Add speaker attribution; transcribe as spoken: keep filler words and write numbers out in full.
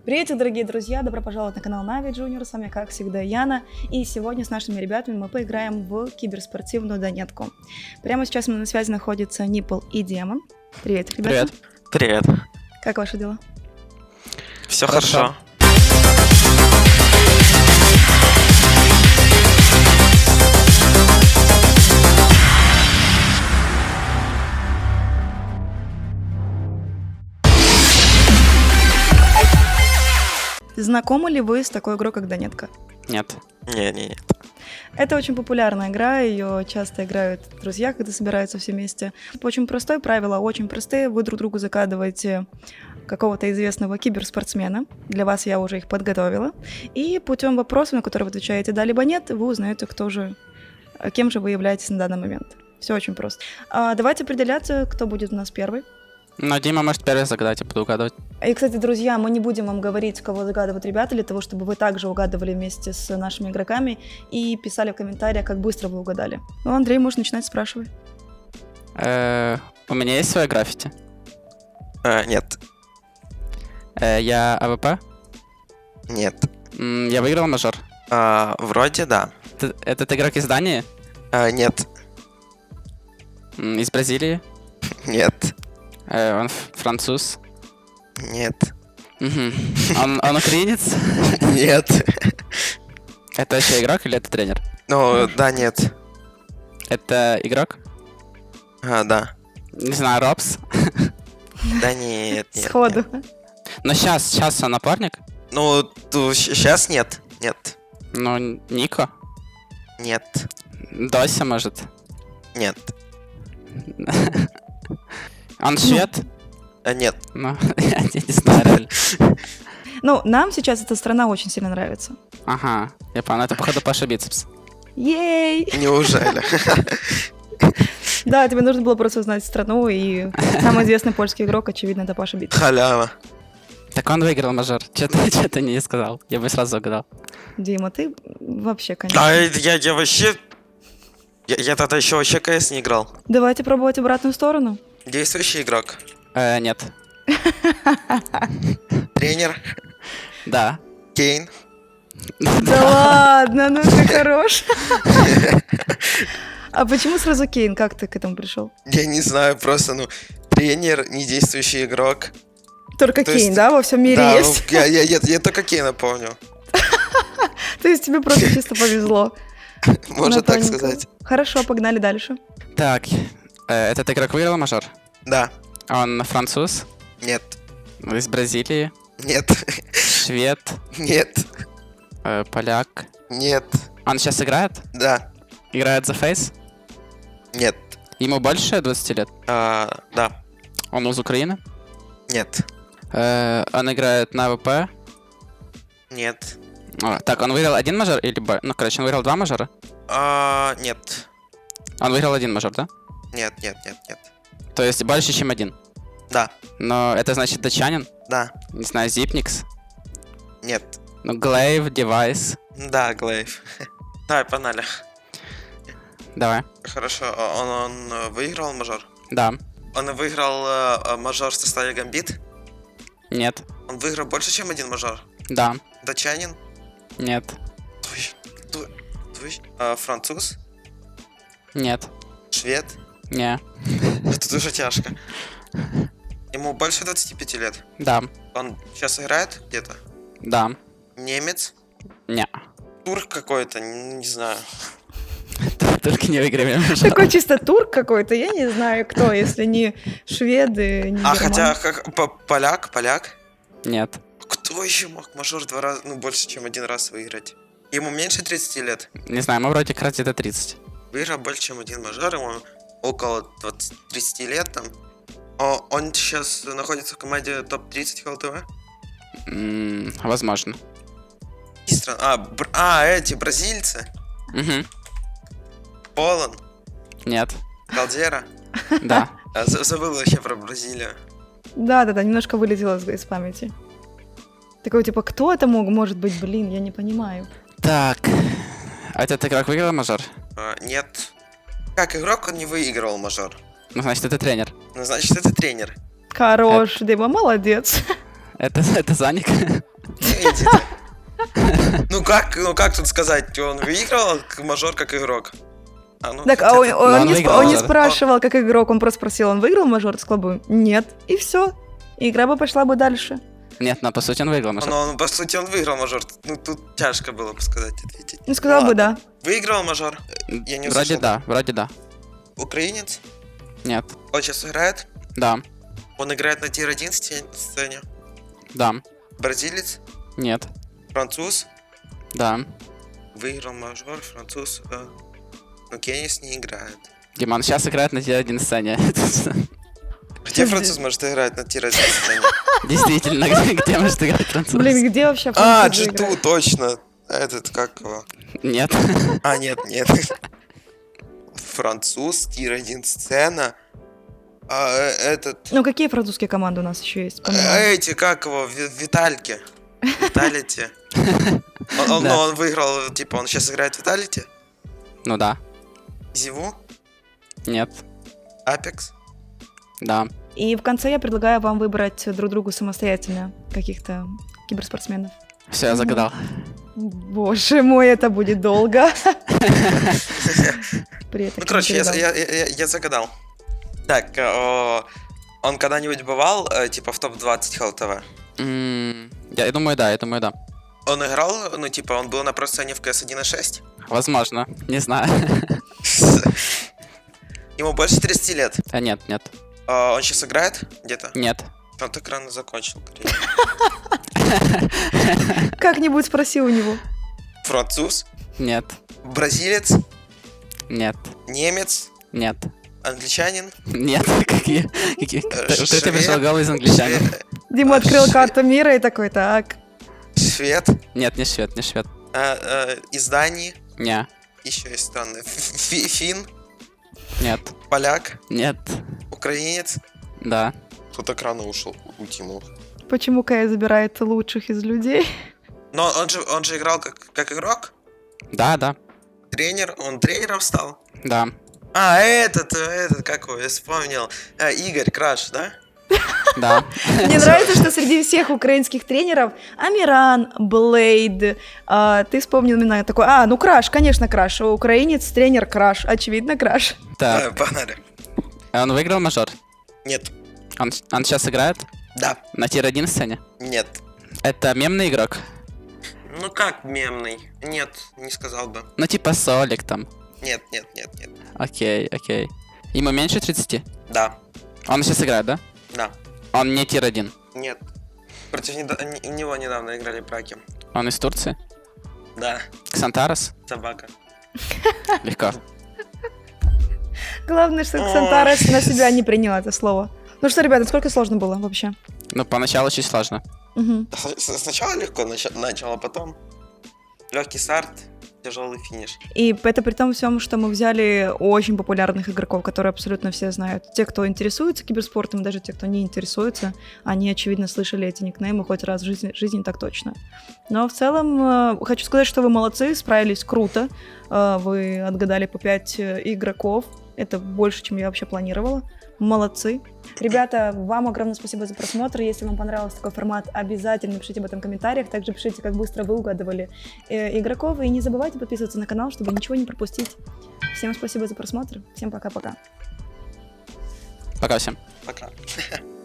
Speaker 1: Приветик, дорогие друзья! Добро пожаловать на канал Нави Junior. С вами, как всегда, Яна. И сегодня с нашими ребятами мы поиграем в киберспортивную донетку. Прямо сейчас на связи находятся Нипл и Демон. Привет, ребята.
Speaker 2: Привет.
Speaker 3: Привет.
Speaker 1: Как ваши дела?
Speaker 2: Все
Speaker 3: Хорошо.
Speaker 2: хорошо.
Speaker 1: Знакомы ли вы с такой игрой, как Донетка?
Speaker 3: Нет.
Speaker 2: Не-не-не.
Speaker 1: Это очень популярная игра, ее часто играют друзья, когда собираются все вместе. Очень простое правило, очень простые. Вы друг другу закадываете какого-то известного киберспортсмена. Для вас я уже их подготовила. И путем вопросов, на которые вы отвечаете «да» либо «нет», вы узнаете, кто же, кем же вы являетесь на данный момент. Все очень просто. А, давайте определяться, кто будет у нас первый.
Speaker 3: Но Дима может первый загадать, я буду угадывать.
Speaker 1: И, кстати, друзья, мы не будем вам говорить, кого загадывают ребята, для того, чтобы вы также угадывали вместе с нашими игроками и писали в комментариях, как быстро вы угадали. Ну, Андрей, можешь начинать, спрашивай.
Speaker 3: Э, У меня есть своя граффити.
Speaker 2: А, нет.
Speaker 3: Э, Я АВП.
Speaker 2: Нет.
Speaker 3: М, Я выиграл мажор.
Speaker 2: А, вроде да.
Speaker 3: Т- Этот игрок из Дании?
Speaker 2: А, нет.
Speaker 3: М, Из Бразилии?
Speaker 2: Нет.
Speaker 3: Э, Он ф- француз?
Speaker 2: Нет.
Speaker 3: Мгм. Он, он украинец?
Speaker 2: Нет.
Speaker 3: Это еще игрок или это тренер?
Speaker 2: Ну, да, нет.
Speaker 3: Это игрок?
Speaker 2: А, да.
Speaker 3: Не знаю, Робс?
Speaker 2: Да нет, нет.
Speaker 1: Сходу.
Speaker 2: нет.
Speaker 3: Но сейчас, сейчас он напарник?
Speaker 2: Ну, сейчас нет. Нет.
Speaker 3: Ну, Нико?
Speaker 2: Нет.
Speaker 3: Дося, может?
Speaker 2: Нет.
Speaker 3: Он швед?
Speaker 2: А, нет.
Speaker 3: Ну, я не знаю, реально.
Speaker 1: Ну, нам сейчас эта страна очень сильно нравится.
Speaker 3: Ага, я понял, это походу Паша Бицепс.
Speaker 1: Ей!
Speaker 2: Неужели?
Speaker 1: Да, тебе нужно было просто узнать страну, и самый известный польский игрок, очевидно, это Паша Бит.
Speaker 2: Халява.
Speaker 3: Так он выиграл мажор. Что-то, что-то не сказал. Я бы сразу угадал.
Speaker 1: Дима, ты вообще, конечно.
Speaker 2: А я, я вообще... Я, я тогда еще вообще КС не играл.
Speaker 1: Давайте пробовать обратную сторону.
Speaker 2: Действующий игрок.
Speaker 3: Э, нет.
Speaker 2: Тренер.
Speaker 3: Да.
Speaker 2: Кейн.
Speaker 1: Да ладно, ну ты хорош. А почему сразу Кейн? Как ты к этому пришел?
Speaker 2: Я не знаю, просто, ну, тренер, недействующий игрок.
Speaker 1: Только
Speaker 2: То
Speaker 1: Кейн,
Speaker 2: есть-
Speaker 1: да, во всем мире
Speaker 2: Да,
Speaker 1: есть?
Speaker 2: ну, я, я, я, я только Кейна помню.
Speaker 1: То есть тебе просто чисто повезло.
Speaker 2: Можно
Speaker 1: На
Speaker 2: так
Speaker 1: тоненького.
Speaker 2: сказать.
Speaker 1: Хорошо, погнали дальше.
Speaker 3: Так, э, этот игрок выиграл мажор?
Speaker 2: Да.
Speaker 3: Он француз?
Speaker 2: Нет.
Speaker 3: Из Бразилии?
Speaker 2: Нет.
Speaker 3: Швед?
Speaker 2: Нет.
Speaker 3: Э, поляк?
Speaker 2: Нет.
Speaker 3: Он сейчас играет?
Speaker 2: Да.
Speaker 3: Играет за Фейс?
Speaker 2: Нет.
Speaker 3: Ему больше двадцати лет?
Speaker 2: А, да.
Speaker 3: Он из Украины?
Speaker 2: Нет.
Speaker 3: Э, он играет на АВП?
Speaker 2: Нет.
Speaker 3: О, так, он выиграл один мажор или... бо- Ну, короче, он выиграл два мажора?
Speaker 2: А, нет.
Speaker 3: Он выиграл один мажор, да?
Speaker 2: Нет, нет, нет, нет.
Speaker 3: То есть больше, чем один.
Speaker 2: Да.
Speaker 3: Но это значит датчанин?
Speaker 2: Да.
Speaker 3: Не знаю, Зипникс?
Speaker 2: Нет.
Speaker 3: Ну, Глейв, Девайс.
Speaker 2: Да, Глейв. Давай, погнали.
Speaker 3: Давай.
Speaker 2: Хорошо. а Он, он э, выиграл мажор?
Speaker 3: Да.
Speaker 2: Он выиграл э, э, мажор в составе Гамбит?
Speaker 3: Нет.
Speaker 2: Он выиграл больше, чем один мажор?
Speaker 3: Да.
Speaker 2: Датчанин?
Speaker 3: Нет.
Speaker 2: Твой, твой, твой, а, француз?
Speaker 3: Нет.
Speaker 2: Швед?
Speaker 3: Не.
Speaker 2: Это дуже тяжко. Ему больше двадцати пяти лет.
Speaker 3: Да.
Speaker 2: Он сейчас играет где-то?
Speaker 3: Да.
Speaker 2: Немец?
Speaker 3: Не.
Speaker 2: Турк какой-то, не, не знаю.
Speaker 3: Только не выиграем.
Speaker 1: Такой чисто турк какой-то, я не знаю кто, если не шведы, не
Speaker 2: А
Speaker 1: герман-
Speaker 2: хотя как по- поляк, поляк?
Speaker 3: Нет.
Speaker 2: Кто еще мог мажор два раза, ну больше, чем один раз выиграть? Ему меньше тридцати лет.
Speaker 3: Не знаю, ему вроде как раз где-то тридцать.
Speaker 2: Выиграл больше, чем один мажор, ему около двадцати тридцати лет там. О, он сейчас находится в команде топ тридцать ХЛТВ?
Speaker 3: М, Возможно.
Speaker 2: И стран- А, бр- а, эти бразильцы?
Speaker 3: Угу.
Speaker 2: Полон?
Speaker 3: Нет.
Speaker 2: Калдера?
Speaker 3: Да.
Speaker 2: А, за- забыл вообще про Бразилию.
Speaker 1: Да-да-да, немножко вылетело из, из памяти. Такой, типа, кто это мог, может быть, блин, я не понимаю.
Speaker 3: Так. А этот игрок выиграл мажор?
Speaker 2: А, нет. Как игрок он не выигрывал мажор.
Speaker 3: Ну, значит, это тренер.
Speaker 2: Ну, значит, это тренер.
Speaker 1: Хорош, Дима, молодец.
Speaker 3: Это, это Заник?
Speaker 2: Идите. Ну как, ну как тут сказать, он выиграл как мажор, как игрок? А, ну,
Speaker 1: Так, а
Speaker 2: хотя
Speaker 1: он,
Speaker 2: это-
Speaker 1: он
Speaker 3: он
Speaker 1: не, сп-
Speaker 3: выиграл
Speaker 1: он не
Speaker 3: мажор.
Speaker 1: спрашивал, как игрок, он просто спросил, он выиграл мажор? Ты сказал бы, нет, и все. Игра бы пошла бы дальше.
Speaker 3: Нет, но по сути он выиграл мажор.
Speaker 2: Ну, ну, по сути, он выиграл мажор. Ну, тут тяжко было бы сказать, ответить.
Speaker 1: Ну, сказал бы
Speaker 2: ладно.
Speaker 1: да.
Speaker 2: Выиграл мажор? Я не
Speaker 3: Вроде
Speaker 2: услышал.
Speaker 3: да, вроде да.
Speaker 2: Украинец?
Speaker 3: Нет.
Speaker 2: Он сейчас играет?
Speaker 3: Да.
Speaker 2: Он играет на тир один сте- сцене?
Speaker 3: Да.
Speaker 2: Бразилец?
Speaker 3: Нет.
Speaker 2: Француз?
Speaker 3: Да.
Speaker 2: Выиграл мажор, француз. э, Но Кеннис не играет.
Speaker 3: Диман сейчас играет на Т один сцене.
Speaker 2: Где француз может играть на тир один сцене?
Speaker 3: Действительно, где, где может играть француз?
Speaker 1: Блин, где вообще
Speaker 2: А,
Speaker 1: французы
Speaker 2: джи ту,
Speaker 1: играют?
Speaker 2: точно. Этот, как его?
Speaker 3: Нет.
Speaker 2: А, нет, нет. Француз, тир один сцена. А, э, этот...
Speaker 1: Ну, какие французские команды у нас еще есть? помимо?
Speaker 2: э, Эти, как его? Ви- Витальки. Виталити. Он, он-
Speaker 3: Да.
Speaker 2: ну, он выиграл, типа, он сейчас играет в Виталити?
Speaker 3: Ну да.
Speaker 2: Зиву?
Speaker 3: Нет.
Speaker 2: Апекс?
Speaker 3: Да.
Speaker 1: И в конце я предлагаю вам выбрать друг другу самостоятельно каких-то киберспортсменов.
Speaker 3: Все, я загадал.
Speaker 1: Боже мой, это будет долго. При этом
Speaker 2: Ну, короче, я,
Speaker 1: передал.
Speaker 2: я, я, я- я загадал. Так, э, о, он когда-нибудь бывал, э, типа, в топ двадцать Хелл ТВ?
Speaker 3: М, Я я думаю, да, я думаю, да.
Speaker 2: Он играл, ну, типа, он был на про-сцене в КС один и шесть?
Speaker 3: Возможно. Не знаю.
Speaker 2: Ему больше тридцати лет.
Speaker 3: А нет, нет.
Speaker 2: А, он сейчас играет где-то?
Speaker 3: Нет.
Speaker 2: Он так рано закончил карьеру.
Speaker 1: Как-нибудь спроси у него.
Speaker 2: Француз?
Speaker 3: Нет.
Speaker 2: Бразилец?
Speaker 3: Нет.
Speaker 2: Немец?
Speaker 3: Нет.
Speaker 2: Англичанин?
Speaker 3: Нет. Какие? Какие?
Speaker 2: Э,
Speaker 3: Ты ты
Speaker 2: швед?
Speaker 3: пришел голый из англичанина.
Speaker 2: Шве-
Speaker 1: Дима
Speaker 2: А,
Speaker 1: открыл
Speaker 2: швед.
Speaker 1: карту мира и такой, так.
Speaker 2: Швед?
Speaker 3: Нет, не швед, не швед.
Speaker 2: А, э, из Дании?
Speaker 3: Не.
Speaker 2: Еще есть страны. Фи- Фин?
Speaker 3: Нет.
Speaker 2: Поляк?
Speaker 3: Нет.
Speaker 2: Украинец?
Speaker 3: Да.
Speaker 2: Кто так рано ушел? Утянул.
Speaker 1: Почему Кая забирает лучших из людей?
Speaker 2: Но он же, он же играл как, как игрок?
Speaker 3: Да, да.
Speaker 2: Тренер? Он тренером стал?
Speaker 3: Да.
Speaker 2: А, этот, этот, как его, я вспомнил. А, Игорь Краш, да?
Speaker 3: Да.
Speaker 1: Мне нравится, что среди всех украинских тренеров Амиран, Блейд, а, ты вспомнил именно такой, а, ну Краш, конечно, Краш, украинец, тренер Краш, очевидно Краш.
Speaker 3: Так.
Speaker 2: А, погнали.
Speaker 3: Он выиграл мажор?
Speaker 2: Нет.
Speaker 3: Он, он сейчас играет?
Speaker 2: Да.
Speaker 3: На тир один сцене?
Speaker 2: Нет.
Speaker 3: Это мемный игрок?
Speaker 2: Ну как мемный? Нет, не сказал бы.
Speaker 3: Ну типа Солик там.
Speaker 2: Нет, нет, нет, нет.
Speaker 3: Окей, окей. Ему меньше тридцати?
Speaker 2: Да.
Speaker 3: Он сейчас играет, да?
Speaker 2: Да.
Speaker 3: Он не тир один.
Speaker 2: Нет. Против недо- не- него недавно играли браки.
Speaker 3: Он из Турции?
Speaker 2: Да.
Speaker 3: Ксантарес?
Speaker 2: Собака.
Speaker 3: Легко.
Speaker 1: Главное, что
Speaker 2: Ой.
Speaker 1: Ксантарес на себя не принял это слово. Ну что, ребята, сколько сложно было вообще?
Speaker 3: Ну, поначалу чуть сложно.
Speaker 1: Мгм.
Speaker 2: С- Сначала легко нач- начал, а потом легкий старт, тяжелый финиш.
Speaker 1: И это при том всем, что мы взяли очень популярных игроков, которые абсолютно все знают. Те, кто интересуется киберспортом, даже те, кто не интересуется, они, очевидно, слышали эти никнеймы хоть раз в жизни, жизни так точно. Но в целом э, хочу сказать, что вы молодцы, справились круто. Э, Вы отгадали по пять игроков. Это больше, чем я вообще планировала. Молодцы. Ребята, вам огромное спасибо за просмотр. Если вам понравился такой формат, обязательно пишите об этом в комментариях. Также пишите, как быстро вы угадывали э, игроков. И не забывайте подписываться на канал, чтобы ничего не пропустить. Всем спасибо за просмотр. Всем пока-пока.
Speaker 3: Пока всем.
Speaker 2: Пока.